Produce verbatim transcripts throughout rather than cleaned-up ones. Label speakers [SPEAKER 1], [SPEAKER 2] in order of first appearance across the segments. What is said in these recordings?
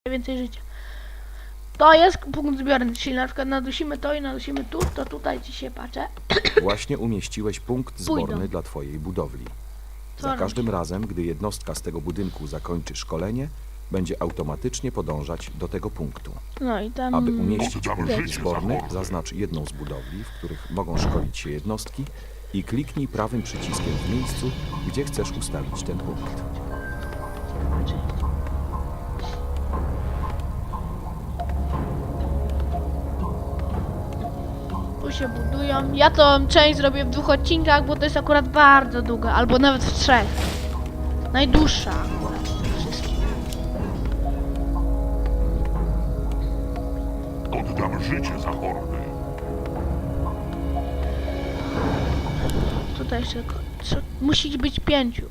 [SPEAKER 1] więcej życia. To jest punkt zbiorny, czyli na przykład nadusimy to i nadusimy tu, to tutaj ci się patrzę.
[SPEAKER 2] Właśnie umieściłeś punkt zborny
[SPEAKER 1] Pójdą.
[SPEAKER 2] dla twojej budowli.
[SPEAKER 1] Co
[SPEAKER 2] Za
[SPEAKER 1] robić?
[SPEAKER 2] każdym razem, gdy jednostka z tego budynku zakończy szkolenie, będzie automatycznie podążać do tego punktu.
[SPEAKER 1] No i tam...
[SPEAKER 2] Aby umieścić punkt
[SPEAKER 1] wiecie.
[SPEAKER 2] zborny, zaznacz jedną z budowli, w których mogą szkolić się jednostki i kliknij prawym przyciskiem w miejscu, gdzie chcesz ustawić ten punkt.
[SPEAKER 1] Tu się budują. Ja to część zrobię w dwóch odcinkach, bo to jest akurat bardzo długa, albo nawet w trzech. Najdłuższa akurat z tych wszystkich.
[SPEAKER 3] Oddam życie za hordy.
[SPEAKER 1] Tutaj jeszcze tylko... trzy- Musi być pięciu.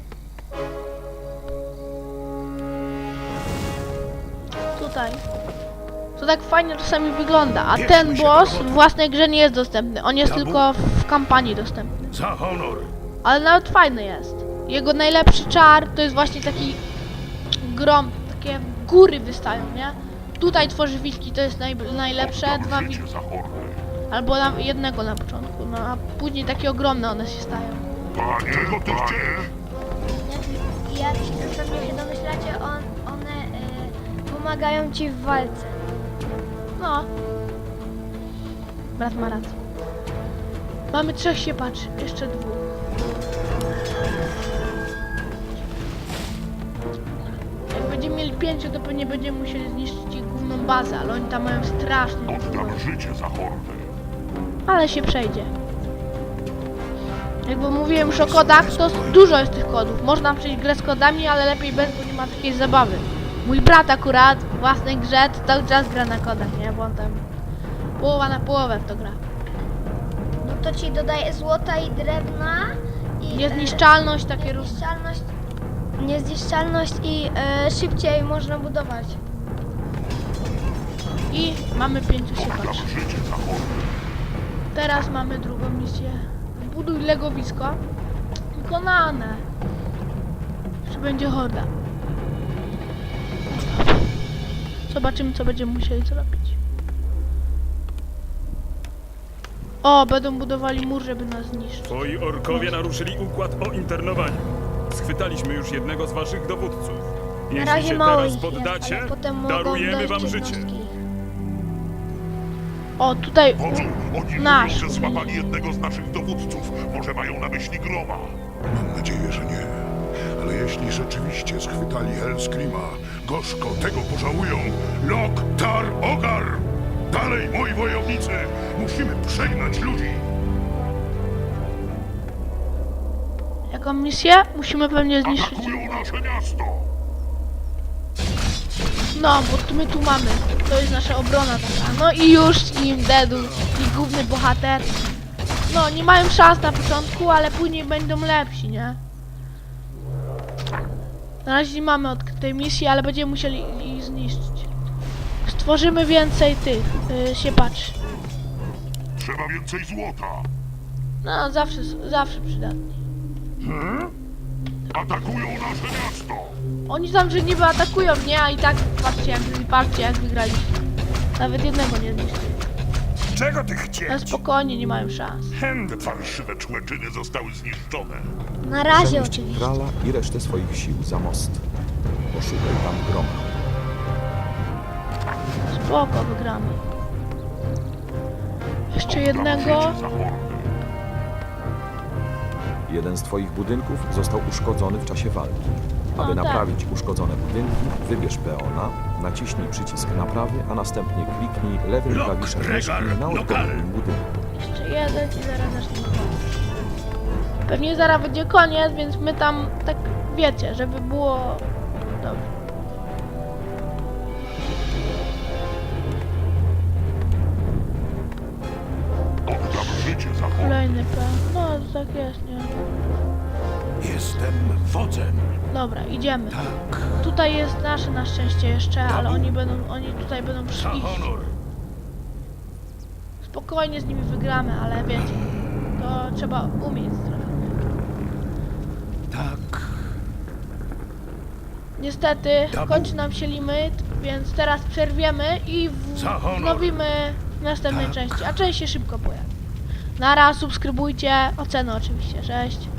[SPEAKER 1] Tutaj. To tak fajnie czasami wygląda, a ten boss w własnej grze nie jest dostępny. On jest tylko w kampanii dostępny.
[SPEAKER 3] Za honor.
[SPEAKER 1] Ale nawet fajny jest. Jego najlepszy czar to jest właśnie taki grom, takie góry wystają, nie? Tutaj tworzy wilki, to jest naj, najlepsze, dwa
[SPEAKER 3] Oddam
[SPEAKER 1] wilki,
[SPEAKER 3] życie za hordy.
[SPEAKER 1] albo na, jednego na początku, no a później takie ogromne one się stają.
[SPEAKER 3] Panie, czego ty chcesz?
[SPEAKER 4] Jak, jak się pewnie się domyślacie, on, one y, pomagają ci w walce.
[SPEAKER 1] No. Brat ma rację. Mamy trzech siepaczy, jeszcze dwóch. Jak będziemy mieli pięciu, to pewnie będziemy musieli zniszczyć ich główną bazę, ale oni tam mają strasznie dużo.
[SPEAKER 3] Oddam życie za hordy.
[SPEAKER 1] Ale się przejdzie. Jakby mówiłem już o kodach, to dużo jest tych kodów. Można przejść grę z kodami, ale lepiej bez, bo nie ma takiej zabawy. Mój brat akurat w własnej grze to cały czas gra na kodach, nie? Bo on tam połowa na połowę w to gra.
[SPEAKER 4] No to ci dodaje złota i drewna i
[SPEAKER 1] Niezniszczalność, takie
[SPEAKER 4] e,
[SPEAKER 1] różne.
[SPEAKER 4] niezniszczalność, niezniszczalność i e, szybciej można budować.
[SPEAKER 1] I mamy pięciu
[SPEAKER 3] Oddam
[SPEAKER 1] siepaczy.
[SPEAKER 3] życie za hordy.
[SPEAKER 1] Teraz mamy drugą misję. Zbuduj legowisko. Wykonane. Czy będzie horda? Zobaczymy, co będziemy musieli zrobić. O, będą budowali mur, żeby nas zniszczyć.
[SPEAKER 5] Twoi orkowie naruszyli układ o internowaniu. Schwytaliśmy już jednego z waszych dowódców.
[SPEAKER 4] Na
[SPEAKER 5] Jeśli
[SPEAKER 4] razie
[SPEAKER 5] się
[SPEAKER 4] mało
[SPEAKER 5] teraz
[SPEAKER 4] ich jest,
[SPEAKER 5] poddacie,
[SPEAKER 4] ale potem mogą
[SPEAKER 5] darujemy
[SPEAKER 4] dojść
[SPEAKER 5] wam życie.
[SPEAKER 4] jednostki.
[SPEAKER 1] O, tutaj
[SPEAKER 3] Wodzu, oni
[SPEAKER 1] nasz.
[SPEAKER 3] mówią, że złapali jednego z naszych dowódców. Może mają na myśli Groma.
[SPEAKER 6] Mam nadzieję, że nie. Ale jeśli rzeczywiście schwytali Hellscreama, gorzko tego pożałują. Lok, Tar, Ogar! Dalej, moi wojownicy! Musimy przegnać ludzi!
[SPEAKER 1] Jaką misję? Musimy pewnie zniszczyć.
[SPEAKER 3] Atakują nasze miasto.
[SPEAKER 1] No, bo tu my tu mamy. To jest nasza obrona taka. No i już im dedu, i główny bohater. No, nie mają szans na początku, ale później będą lepsi, nie? Na razie nie mamy odkrytej misji, ale będziemy musieli ich zniszczyć. Stworzymy więcej tych yy, siepaczy.
[SPEAKER 3] Trzeba więcej złota.
[SPEAKER 1] No, zawsze, zawsze przydatni.
[SPEAKER 3] Atakują nasze miasto.
[SPEAKER 1] Oni tam, że niby atakują, nie? A i tak patrzcie jak, patrzcie jak wygraliśmy. Nawet jednego nie zniszczyli.
[SPEAKER 3] Czego ty
[SPEAKER 1] Ale
[SPEAKER 3] chcieć?
[SPEAKER 1] spokojnie, nie mają szans.
[SPEAKER 3] Te fałszywe człeczyny zostały zniszczone.
[SPEAKER 4] Na razie
[SPEAKER 2] Przenieść
[SPEAKER 4] oczywiście.
[SPEAKER 2] Krala i resztę swoich sił za most. Poszukaj tam groma.
[SPEAKER 1] Spoko, wygramy. Jeszcze
[SPEAKER 3] Oddam
[SPEAKER 1] jednego.
[SPEAKER 3] życie za hordy.
[SPEAKER 2] Jeden z twoich budynków został uszkodzony w czasie walki. Aby
[SPEAKER 1] O, tak.
[SPEAKER 2] naprawić uszkodzone budynki, wybierz peona, naciśnij przycisk naprawy, a następnie kliknij lewym
[SPEAKER 3] Lok,
[SPEAKER 2] klawiszem
[SPEAKER 3] regar,
[SPEAKER 2] myszki na
[SPEAKER 3] lokal.
[SPEAKER 2] odpowiednim budynku.
[SPEAKER 1] Jeszcze jeden i zaraz zacznie koniec. Pewnie zaraz będzie koniec, więc my tam tak wiecie, żeby było dobrze.
[SPEAKER 3] Oddam życie za hordy.
[SPEAKER 1] Kolejny plan. No, tak jest, nie?
[SPEAKER 6] Jestem wodzem.
[SPEAKER 1] Dobra, idziemy.
[SPEAKER 6] Tak.
[SPEAKER 1] Tutaj jest nasze na szczęście jeszcze, ale oni będą, oni tutaj będą
[SPEAKER 3] Za
[SPEAKER 1] szli.
[SPEAKER 3] honor.
[SPEAKER 1] Spokojnie z nimi wygramy, ale wiecie, to trzeba umieć trochę.
[SPEAKER 6] Tak.
[SPEAKER 1] Niestety, kończy nam się limit. Więc teraz przerwiemy i w-
[SPEAKER 6] Za honor.
[SPEAKER 1] wznowimy w następnej
[SPEAKER 6] Tak.
[SPEAKER 1] części, a część się szybko pojawi. Nara, subskrybujcie, oceny oczywiście, cześć.